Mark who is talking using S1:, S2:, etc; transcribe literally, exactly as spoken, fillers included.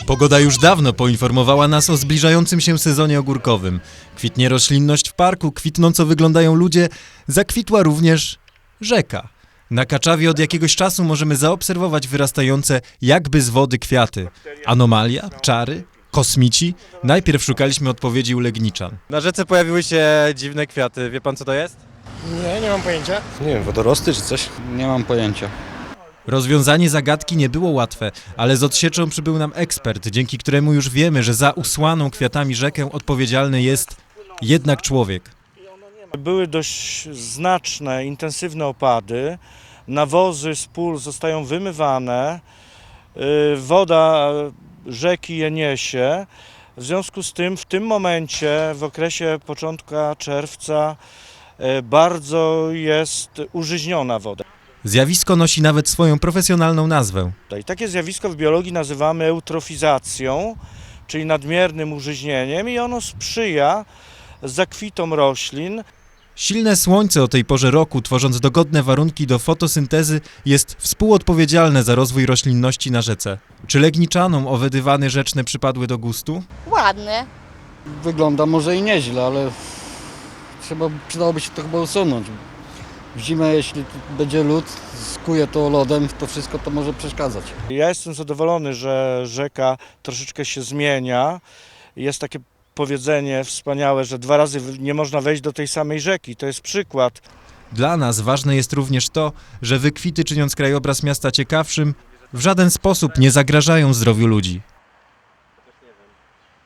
S1: Pogoda już dawno poinformowała nas o zbliżającym się sezonie ogórkowym. Kwitnie roślinność w parku, kwitnąco wyglądają ludzie, zakwitła również rzeka. Na Kaczawie od jakiegoś czasu możemy zaobserwować wyrastające jakby z wody kwiaty. Anomalia? Czary? Kosmici? Najpierw szukaliśmy odpowiedzi u Legniczan.
S2: Na rzece pojawiły się dziwne kwiaty. Wie pan, co to jest?
S3: Nie, nie mam pojęcia.
S4: Nie wiem, wodorosty czy coś?
S5: Nie mam pojęcia.
S1: Rozwiązanie zagadki nie było łatwe, ale z odsieczą przybył nam ekspert, dzięki któremu już wiemy, że za usłaną kwiatami rzekę odpowiedzialny jest jednak człowiek.
S3: Były dość znaczne, intensywne opady. Nawozy z pól zostają wymywane. Woda rzeki je niesie. W związku z tym w tym momencie, w okresie początka czerwca, bardzo jest użyźniona woda.
S1: Zjawisko nosi nawet swoją profesjonalną nazwę.
S3: I takie zjawisko w biologii nazywamy eutrofizacją, czyli nadmiernym użyźnieniem, i ono sprzyja zakwitom roślin.
S1: Silne słońce o tej porze roku, tworząc dogodne warunki do fotosyntezy, jest współodpowiedzialne za rozwój roślinności na rzece. Czy Legniczanom owe dywany rzeczne przypadły do gustu?
S6: Ładne.
S5: Wygląda może i nieźle, ale trzeba, przydałoby się to chyba usunąć. W zimę, jeśli będzie lód, skuje to lodem, to wszystko to może przeszkadzać.
S3: Ja jestem zadowolony, że rzeka troszeczkę się zmienia. Jest takie powiedzenie wspaniałe, że dwa razy nie można wejść do tej samej rzeki. To jest przykład.
S1: Dla nas ważne jest również to, że wykwity, czyniąc krajobraz miasta ciekawszym, w żaden sposób nie zagrażają zdrowiu ludzi.